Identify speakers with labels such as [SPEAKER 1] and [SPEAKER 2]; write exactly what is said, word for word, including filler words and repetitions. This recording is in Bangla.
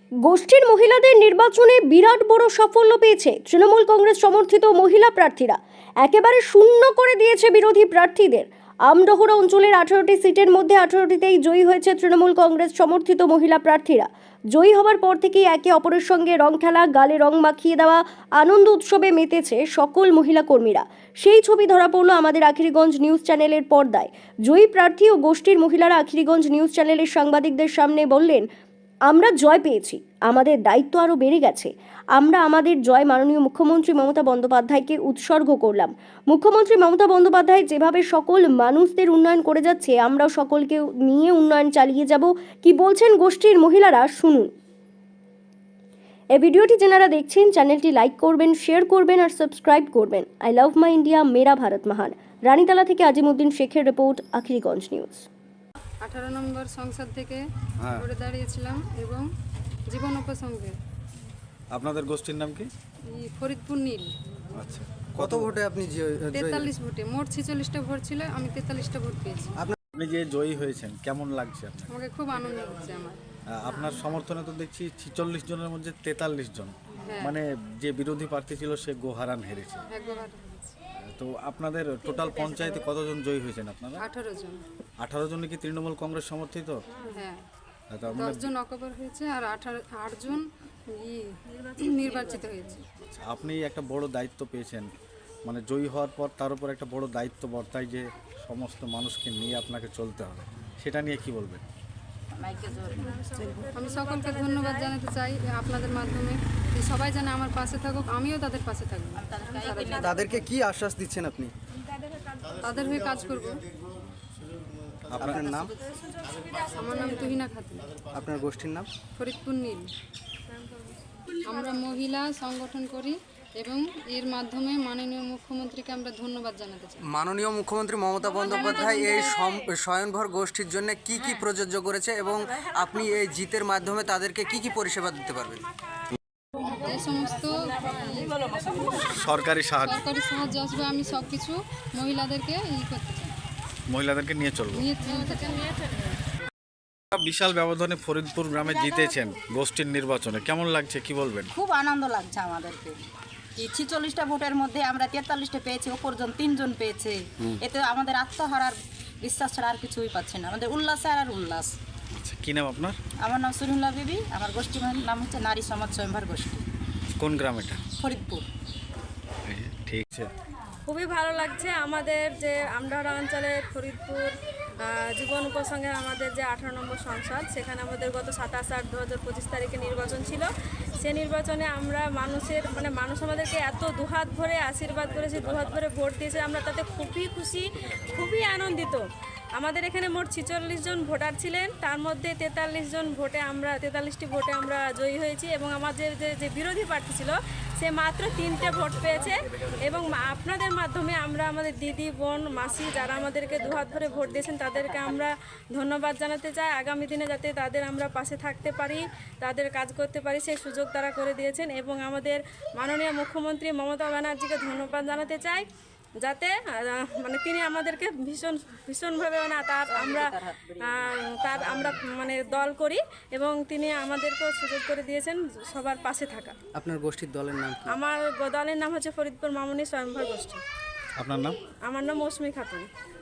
[SPEAKER 1] গোষ্ঠীর মহিলাদের নির্বাচনে বিরাট বড় সাফল্য পেয়েছে তৃণমূল কংগ্রেস সমর্থিত মহিলা প্রার্থীরা। একেবারে শূন্য করে দিয়েছে বিরোধী প্রার্থীদের। আমডহরা অঞ্চলের আঠারোটি সিটের মধ্যে আঠারোটিতেই জয়ী হয়েছে তৃণমূল কংগ্রেস সমর্থিত মহিলা প্রার্থীরা। জয়ী হওয়ার পর থেকেই একে অপরের সঙ্গে রং খেলা, গালে রং মাখিয়ে দেওয়া, আনন্দ উৎসবে মেতেছে সকল মহিলা কর্মীরা। সেই ছবি ধরা পড়ল আমাদের আখিরিগঞ্জ নিউজ চ্যানেলের পর্দায়। জয়ী প্রার্থী ও গোষ্ঠীর মহিলারা আখিরিগঞ্জ নিউজ চ্যানেলের সাংবাদিকদের সামনে বললেন, আমরা জয় পেয়েছি, আমাদের দায়িত্ব আরও বেড়ে গেছে। আমরা আমাদের জয় মাননীয় মুখ্যমন্ত্রী মমতা বন্দ্যোপাধ্যায়কে উৎসর্গ করলাম। মুখ্যমন্ত্রী মমতা বন্দ্যোপাধ্যায় যেভাবে সকল মানুষদের উন্নয়ন করে যাচ্ছে, আমরাও সকলকে নিয়ে উন্নয়ন চালিয়ে যাব। কি বলছেন গোষ্ঠীর মহিলারা, শুনুন। এই ভিডিওটি যারা দেখছেন, চ্যানেলটি লাইক করবেন, শেয়ার করবেন আর সাবস্ক্রাইব করবেন। আই লাভ মাই ইন্ডিয়া, মেরা ভারত মহান। রানীতলা থেকে আজিমউদ্দিন শেখের রিপোর্ট, আখিরিগঞ্জ নিউজ।
[SPEAKER 2] আঠারো নম্বর সংসদ থেকে ঘুরে দাঁড়িয়েছিলাম এবং জীবন উপসঙ্গে।
[SPEAKER 3] আপনাদের গোষ্ঠীর নাম কি?
[SPEAKER 2] ফরিদপুর নীল।
[SPEAKER 3] আচ্ছা,
[SPEAKER 4] কত ভোটে আপনি
[SPEAKER 2] তেতাল্লিশ ভোটে, মোট ছেচল্লিশটা ভোট ছিল, আমি তেতাল্লিশটা ভোট পেয়েছি।
[SPEAKER 3] আপনি যে জয়ী হয়েছেন কেমন লাগছে আপনার?
[SPEAKER 2] আমাকে খুব আনন্দ হচ্ছে আমার।
[SPEAKER 3] আপনার সমর্থনে তো দেখছি ছিচল্লিশ জনের মধ্যে তেতাল্লিশ জন,
[SPEAKER 2] হ্যাঁ।
[SPEAKER 3] মানে যে বিরোধী প্রার্থী ছিল সে গোহারান হেরেছে।
[SPEAKER 2] একবার
[SPEAKER 3] তো আপনাদের টোটাল পঞ্চায়েতে কতজন জয়ী হয়েছেন আপনারা?
[SPEAKER 2] আঠারো জন।
[SPEAKER 3] আঠারো জন কি তৃণমূল কংগ্রেস সমর্থিত?
[SPEAKER 2] হ্যাঁ,
[SPEAKER 3] তার মানে
[SPEAKER 2] দশ জন অকবর হয়েছে আর আঠারো আট জন নির্বাচিত হয়েছে।
[SPEAKER 3] আপনি একটা বড় দায়িত্ব পেয়েছেন, মানে জয়ী হওয়ার পর তার উপর একটা বড় দায়িত্ব বর্তায় যে সমস্ত মানুষকে নিয়ে আপনাকে চলতে হবে, সেটা নিয়ে কি বলবেন?
[SPEAKER 2] আমি সকলকে ধন্যবাদ জানাতে চাই আপনাদের মাধ্যমে, যে সবাই যেন আমার পাশে থাকুক, আমিও তাদের পাশে থাকবো।
[SPEAKER 4] তাদেরকে কি আশ্বাস দিচ্ছেন আপনি?
[SPEAKER 2] তাদের হয়ে কাজ করব।
[SPEAKER 4] আপনার নাম?
[SPEAKER 2] আমার নাম তুহিনা খাতুন।
[SPEAKER 4] আপনার গোষ্ঠীর নাম?
[SPEAKER 2] ফরিদপুর নীল। আমরা মহিলা সংগঠন করি এবং এর মাধ্যমে মাননীয় মুখ্যমন্ত্রীকে আমরা ধন্যবাদ জানাতে চাই।
[SPEAKER 4] মাননীয় মুখ্যমন্ত্রী মমতা বন্দ্যোপাধ্যায় এই স্বয়ংভর গোষ্ঠীর জন্য কি কি প্রযোজ্য করেছে এবং আপনি এই জিতের মাধ্যমে তাদেরকে কি কি পরিষেবা দিতে পারবেন?
[SPEAKER 2] এই সমস্ত
[SPEAKER 3] সরকারি সাহায্য
[SPEAKER 2] সরকারি সাহায্য আসবে, আমি সব কিছু মহিলাদেরকে ই করতে চাই,
[SPEAKER 3] মহিলাদেরকে নিয়ে চলবো।
[SPEAKER 2] নিয়ে চলতে চাই।
[SPEAKER 3] বিশাল ব্যবধানে ফরিদপুর গ্রামে জিতেছেন গোষ্ঠীর নির্বাচনে, কেমন লাগছে কি বলবেন?
[SPEAKER 5] খুব আনন্দ লাগছে আমাদেরকে। এই ছিচল্লিশটা ভোটের মধ্যে আমরা তেতাল্লিশটা পেয়েছি, অপরজন তিনজন পেয়েছে। এতে আমাদের আত্মহারার বিশ্বাস ছাড়া আর কিছুই পাচ্ছি না, আমাদের উল্লাস আর উল্লাস।
[SPEAKER 3] আচ্ছা, কি নাম আপনার?
[SPEAKER 5] আমার নাম সুরিমুল্লাহ বিবি, আমার গোষ্ঠীর নাম হচ্ছে নারী সমাজ স্বয়ংভর গোষ্ঠী।
[SPEAKER 3] কোন গ্রাম এটা?
[SPEAKER 5] ফরিদপুর।
[SPEAKER 3] ঠিক আছে,
[SPEAKER 6] খুবই ভালো লাগছে আমাদের যে আমডহরা অঞ্চলের ফরিদপুর জীবন উপসংঘে আমাদের যে আঠারো নম্বর সংসদ, সেখানে আমাদের গত সাতাশ আট দু হাজার পঁচিশ তারিখে নির্বাচন ছিল। সে নির্বাচনে আমরা মানুষের মানে মানুষ আমাদেরকে এত দুহাত ভরে আশীর্বাদ করেছে, দুহাত ভরে ভোট দিয়েছে, আমরা তাতে খুবই খুশি, খুবই আনন্দিত। আমাদের এখানে মোট ছিচল্লিশ জন ভোটার ছিলেন, তার মধ্যে তেতাল্লিশ জন ভোটে আমরা তেতাল্লিশটি ভোটে আমরা জয়ী হয়েছি এবং আমাদের যে যে বিরোধী প্রার্থী ছিল সে মাত্র তিনটে ভোট পেয়েছে। এবং আপনাদের মাধ্যমে আমরা আমাদের দিদি, বোন, মাসি যারা আমাদেরকে দুহাত ভরে ভোট দিয়েছেন তাদেরকে আমরা ধন্যবাদ জানাতে চাই। আগামী দিনে যাতে তাদের আমরা পাশে থাকতে পারি, তাদের কাজ করতে পারি, সেই সুযোগ তারা করে দিয়েছেন। এবং আমাদের মাননীয় মুখ্যমন্ত্রী মমতা ব্যানার্জিকে ধন্যবাদ জানাতে চাই, যাতে মানে তিনি আমাদেরকে ভীষণ ভীষণভাবে মানে তার আমরা তার আমরা মানে দল করি এবং তিনি আমাদেরকেও সুযোগ করে দিয়েছেন সবার পাশে থাকা।
[SPEAKER 4] আপনার গোষ্ঠীর দলের নাম কি?
[SPEAKER 6] আমার দলের নাম হচ্ছে ফরিদপুর মামনি স্বয়ংভর গোষ্ঠী।
[SPEAKER 3] আপনার নাম?
[SPEAKER 6] আমার নাম মৌসুমী খাতুন।